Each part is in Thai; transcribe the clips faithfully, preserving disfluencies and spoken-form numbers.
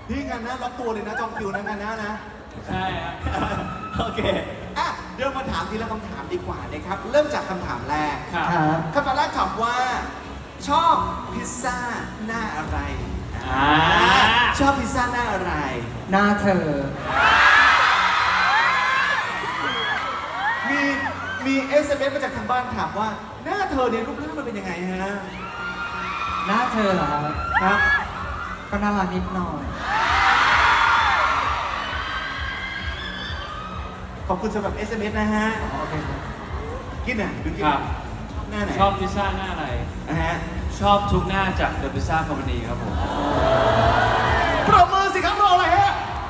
นี่งานหน้าล็อกตัวเลยนะจองคิวนะงานหน้านะใช่ครับโอเคอ่ะเดี๋ยวมาถามทีละคำถามดีกว่านะครับ เริ่มจากคำถามแรกครับครับคำถามแรกถามว่า ชอบพิซซ่าหน้าอะไรอ่าชอบพิซซ่าหน้าอะไรหน้าเธอมีมีเอสเอ็มเอสมาจากทางบ้านถามว่า หน้าเธอเนี่ยรูปร่างมันเป็นยังไงฮะหน้าเธอเหรอครับครับก็น่ารักนิดหน่อยขอบคุณสำหรับ เอส เอ็ม เอส นะฮะโอเคครับกินอ่ะดูกินครับหน้าไหนชอบพิซซ่าหน้าอะไรนะฮะชอบทุกหน้าจาก The Pizza Company ครับผมปรบมือสิครับรออะไรฮะ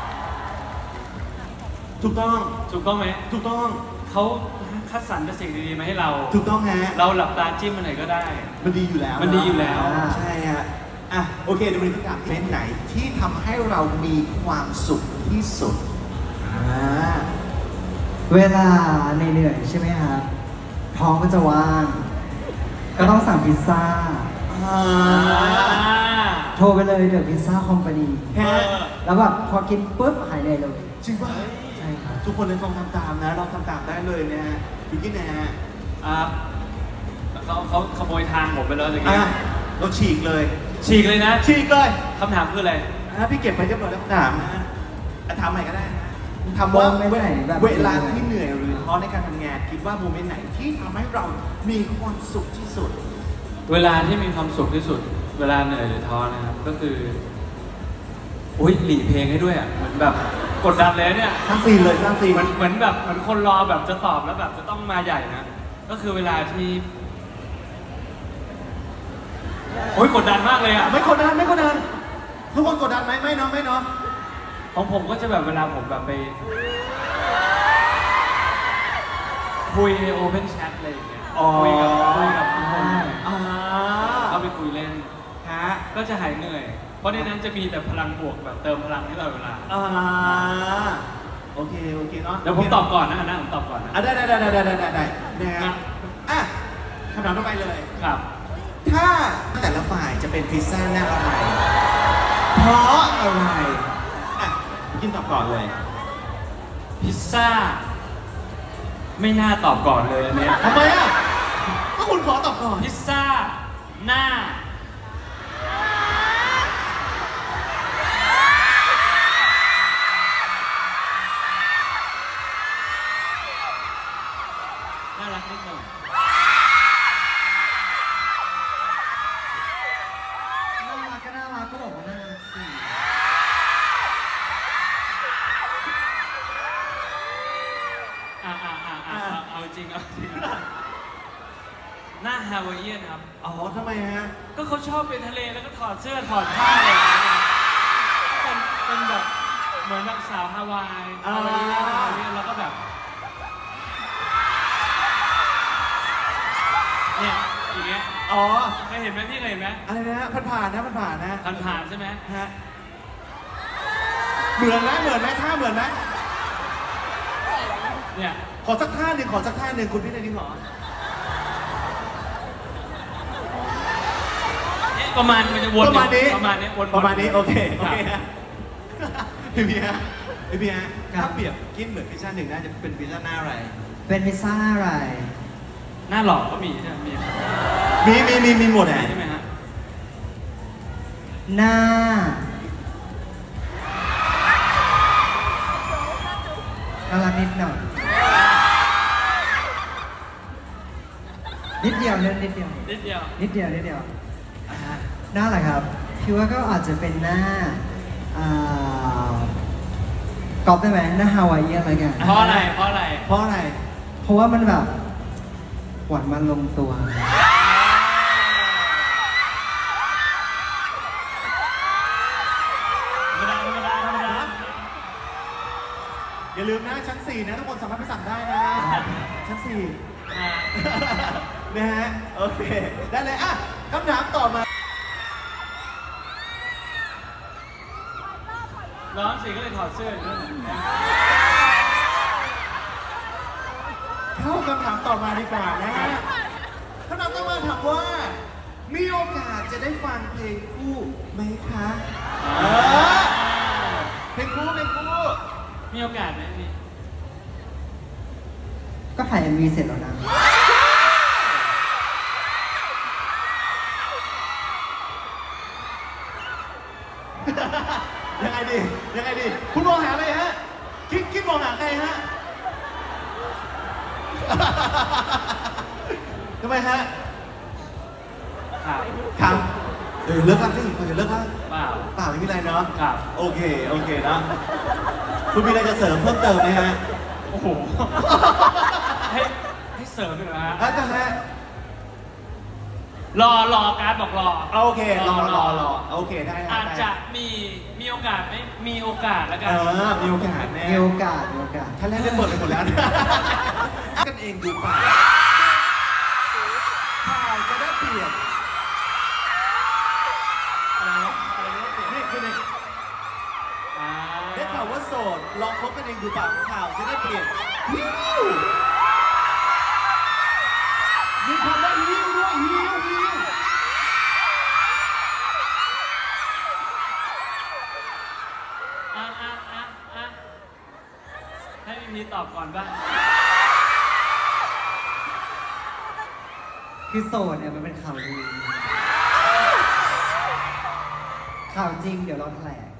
ถูกต้องถูกต้องไหมถูกต้องเขาคัดสรรแต่สิ่งดีๆมาให้เราถูกต้องฮะเราหลับตาจิ้มมันไหนก็ได้มันดีอยู่แล้วมันดีอยู่แล้วาใช่ฮะ อ่ะ โอเคเดี๋ยวมาดูคำถามเป็นไหนที่ทำให้เรามีความสุขที่สุด อ่าเวลาเหนื่อยๆใช่ไหมครับ ท้องก็จะว่าง ก็ต้องสั่งพิซซ่าอ่าโทรไปเลยเดอะพิซซ่าคอมพานีฮะแล้วแบบพอกินปุ๊บหายเหนื่อยเลยจริงป่ะใช่ครับทุกคนเลยลองทำตามนะลองทำตามได้เลยนะฮะดูกินนะฮะอ่าเขาเขาขโมยทางผมไปแล้วเมื่อกี้อ่ะเราฉีกเลยฉีกเลยนะฉีกเลยคำถามคืออะไรอ่ะพี่เก็บไปเรียบร้อยแล้วถามนะฮะอ่ะถามใหม่ก็ได้นะถามว่าโมเมนต์ไหนแบบเวลาที่เหนื่อยหรือท้อในการทำงาน คิดว่าโมเมนต์ไหนที่ทำให้เรามีความสุขที่สุดเวลาที่มีความสุขที่สุด เวลาเหนื่อยหรือท้อนะครับ ก็คืออุ้ยหลีเพลงให้ด้วยอ่ะ เหมือนแบบกดดันเลยเนี่ยสร้างซีนเลยสร้างซีนเหมือนเหมือนแบบเหมือนคนรอแบบจะตอบแล้วแบบจะต้องมาใหญ่นะ ก็คือเวลาที่โอ้ยกดดันมากเลยอ่ะไม่กดดันไม่กดดันทุกคนกดดันไหมไม่เนาะไม่เนาะของผมก็จะแบบเวลาผมแบบไป คุยในโอเพนแชทอะไรอย่างเงี้ยคุยกับคุยกับทุกคนอ่าเข้าไปคุยเล่นฮะก็จะหายเหนื่อย เพราะในนั้นจะมีแต่พลังบวกแบบเติมพลังให้ตลอดเวลาอ่าโอเคโอเคเนาะเดี๋ยวผมตอบก่อนนะอันนะผมตอบก่อนนะอ่ะได้ได้ได้ได้ได้ได้ได้นะฮะอ่ะคำถามต่อไปเลยครับถ้าแต่ละฝ่ายจะเป็นพิซซ่าหน้าอะไร เพราะอะไร อ่ะกินตอบก่อนเลยพิซซ่า ไม่น่าตอบก่อนเลยอันเนี้ยทำไมอ่ะ ก็คุณขอตอบก่อนพิซซ่า หน้า น่ารักนิดหน่อยน่ารักก็น่ารักก็บอกว่าน่ารักสิอ่าอ่าอ่าอ่าเอาจริงเอาจริงหน้าฮาวายเอียนครับอ๋อทำไมฮะก็เขาชอบไปทะเลแล้วก็ถอดเสื้อถอดผ้าอะไรอย่างเงี้ยก็เป็นเป็นแบบเหมือนแบบสาวฮาวายอ่าฮาวายเอียนฮาวายเอียนแล้วก็แบบเนี่ยอย่างเงี้ยอ๋อเคยเห็นไหมพี่เคยเห็นไหมอะไรนะฮะผ่านผ่านๆนะผ่านผ่านๆนะผ่านผ่านๆใช่ไหมฮะ เหมือนไหมเหมือนไหมท่าเหมือนไหมเนี่ยขอสักท่าหนึ่งขอสักท่าหนึ่งคุณพี่นายนี่ขอเนี่ยประมาณมันจะวนประมาณนี้ประมาณนี้วนๆประมาณนี้โอเคโอรับเคฮะพี่พี่ฮะพี่พี่ฮะครับถ้าเปรียบกินเหมือนพิซซ่าหนึ่งน่าจะเป็นพิซซ่าหน้าอะไรเป็นพิซซ่าอะไรหน้าหล่อก็มีใช่ไหมมีมีมีมีมีหมดไหนอ่ะใช่ไหมฮะหน้า น่ารักนิดหน่อย นิดเดียวเล่นนิดเดียวนิดเดียวนิดเดียวนิดเดียวอ่าฮะหน้าอะไรครับพี่ว่าก็อาจจะเป็นหน้าอ่ากอบได้ไหมหน้าฮาวายเอียนอะไรกันเพราะอะไรเพราะอะไรเพราะอะไรเพราะว่ามันแบบหวานมันลงตัวธรรมดาธรรมดาธรรมดาอย่าลืมนะชั้นสี่นะทุกคนสามารถไปสั่งได้นะ ชั้นสี่อ่านะฮะโอเค ได้เลยอ่ะคำถามต่อมาร้อนสิก็เลยถอดเสื้ออยู่นั่นแหละเข้าคำถามต่อมาดีกว่านะฮะคำถามต่อมาถามว่า มีโอกาสจะได้ฟังเพลงคู่ไหมคะเออเพลงคู่เพลงคู่มีโอกาสไหมพี่ก็ถ่าย เอ็ม วี เสร็จแล้วนะยังไงดียังไงดีคุณมองหาอะไรฮะคิดคิดมองหาใครฮะ ทำไมฮะครับครับเออเลิกกันสิเออเลิกกันเปล่าเปล่าไม่มีอะไรเนาะครับโอเคโอเคนะคุณมีอะไรจะเสริมเพิ่มเติมไหมฮะโอ้โห ให้ให้เสริมอีกเหรอฮะอาจารย์ฮะรอรอการดบอกรอเอาโอเครอรอรอโอเคได้ฮอาจได้จะมีมีโอกาสไหมมีโอกาสแล้วกันเออมีโอกาสแน่มีโอกาสมีโอกาสท่านแรกได้เปิดไปหมดแล้วนะกันเองดูป่าข่าวจะได้เปลี่ยนอะไรวะอะไรวะเปลี่ยนนี่คือในอ่าได้ข่าวว่าโสดลองคบกันเองดูป่าข่าวจะได้เปลี่ยนฮิวมีคำว่าฮิวด้วยฮิวฮิวอ่ะอ่ะอ่ะอ่ะให้พี่พีตอบก่อนบ้างคือโสดเนี่ยมันเป็นข่าวลือข่าวจริงเดี๋ยวเราแถลง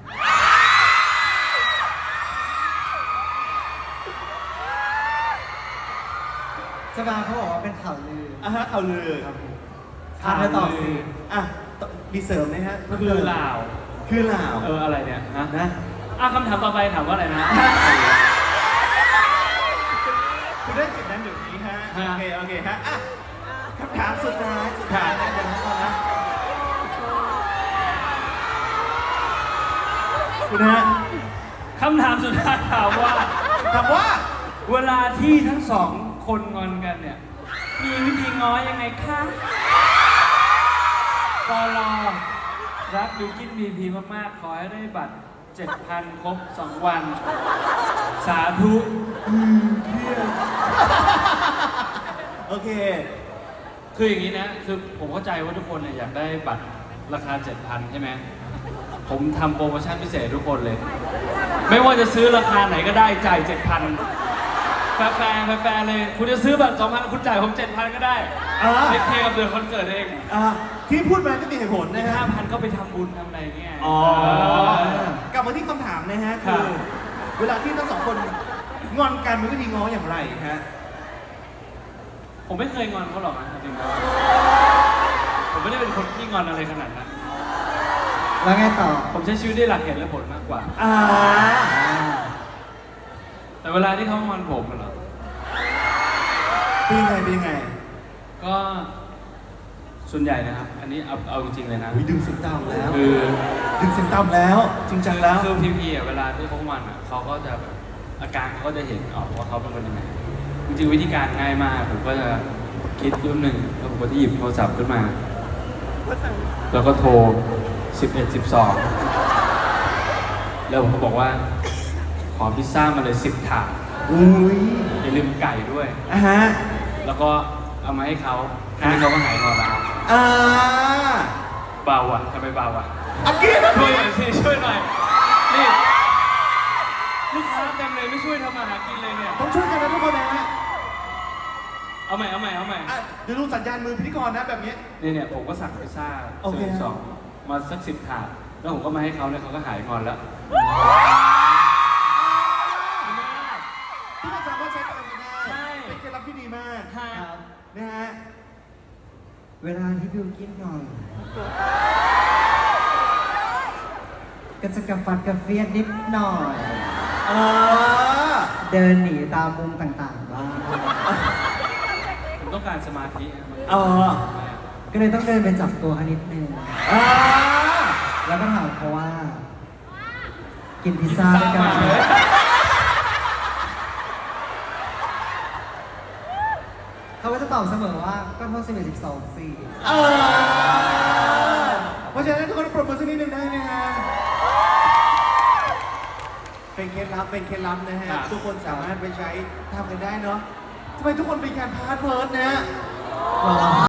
สบาเขาบอกว่าเป็นข่าวลืออ่ะฮะข่าวลือครับผมอ่ะเธอตอบสิอ่ะมีเสริมไหมฮะก็คือลาวคือลาวเอออะไรเนี่ยฮะนะอ่ะคำถามต่อไปถามว่าอะไรนะคุณได้สิทธิ์นั้นเดี๋ยวนี้ฮะฮะโอเคโอเคฮะอ่ะคำถามสุดท้ายสุดท้ายนะเดี๋ยวนะก่อนนะคุณฮะคำถามสุดท้ายถามว่าถามว่าเวลาที่ทั้งสองคนงอนกันเนี่ย มีวิธีง้อยังไงคะปลอรักบิวกินบีพีมากๆ ขอให้ได้บัตร เจ็ดพัน ครบ สอง วัน สาธุอืมเครียดโอเคคืออย่างนี้นะ คือผมเข้าใจว่าทุกคนเนี่ยอยากได้บัตรราคา เจ็ดพัน ใช่ไหม ผมทำโปรโมชั่นพิเศษทุกคนเลย ไม่ว่าจะซื้อราคาไหนก็ได้จ่าย เจ็ดพัน แฟร์แฟร์แฟร์เลย คุณจะซื้อบัตร สองพัน คุณจ่ายผม เจ็ดพัน ก็ได้อ่าไม่เคกับเดือนคอนเสิร์ตเองอ่ะที่พูดมาก็มีเหตุผลในนะฮะห้าพันก็ไปทำบุญทำอะไรเงี้ยอ๋อเออกลับมาที่คำถามนะฮะครัคืบอ เวลาที่ทั้งสองคนงอนกันมีวิธีง้ออย่างไรฮะผมไม่เคยงอนเขาหรอกนะจริงๆแล้วผมไม่ได้เป็นคนที่งอนอะไรขนาดนั้นแล้วไงต่อผมใช้ชีวิตด้วยหลักเหตุและผลมากกว่าอ่าแต่เวลาที่เขางอนผมอะเหรอเป็นยังไงเป็นยังไงก็ส่วนใหญ่นะครับ อันนี้เอาเอาจริงๆเลยนะอุ๊ยดึงเสียงต่ำแล้วคือดึงเสียงต่ำแล้ว จริงจังแล้วคือพีพีอ่ะเวลาที่เขางอนอ่ะเขาก็จะแบบอาการเขาก็จะเห็นออกว่าเขาเป็นคนยังไง จริงๆวิธีการง่ายมาก ผมก็จะคิดรุ่นหนึ่งแล้วผมก็จะหยิบโทรศัพท์ขึ้นมา แล้วก็โทรสิบเอ็ด สิบสองแล้วผมก็บอกว่า ขอพิซซ่ามาเลยสิบถาดอุ้ยอย่าลืมไก่ด้วยอ่ะฮะแล้วก็เอามาให้เขาแค่นี้เขาก็หายงอนแล้วอ่าเบาอ่ะทำไมเบาอ่ะอักกี้นะช่วยหน่อยสิช่วยหน่อยนี่ลูกค้าเต็มเลยไม่ช่วยทำมาหากินเลยเนี่ยต้องช่วยกันนะทุกคนนะฮะเอาใหม่เอาใหม่เอาใหม่อ่ะเดี๋ยวดูสัญญาณมือพิธีกรนะแบบนี้เนี่ยเนี่ยผมก็สั่งพิซซ่าโอเคซื้อสองมาสักสิบถาดแล้วผมก็มาให้เขาเนี่ยเขาก็หายงอนแล้วที่เราสามารถใช้กันได้ใช่เป็นเคล็ดลับที่ดีมากครับนะฮะเวลาที่บิวกินนอนก็จะกระฟัดกระเฟียดนิดหน่อยเออเดินหนีตามมุมต่างๆบ้างผมต้องการสมาธินะเออก็เลยต้องเดินไปจับตัวเขานิดนึงอ่าแล้วก็ถามเขาว่า กินพิซซ่าด้วยกันพิซซ่ามาเลยเขาก็จะตอบเสมอว่าก็โทษสิบเอ็ดสิบสองสี่เออเพราะฉะนั้นทุกคนปรบมือสักนิดหนึ่งได้ไหมฮะ เป็นเคล็ดลับ เป็นเคล็ดลับนะฮะครับทุกคนสามารถไปใช้ทำกันได้เนาะทำไมทุกคนเป็นการพาร์ทเวิร์ดนะฮะ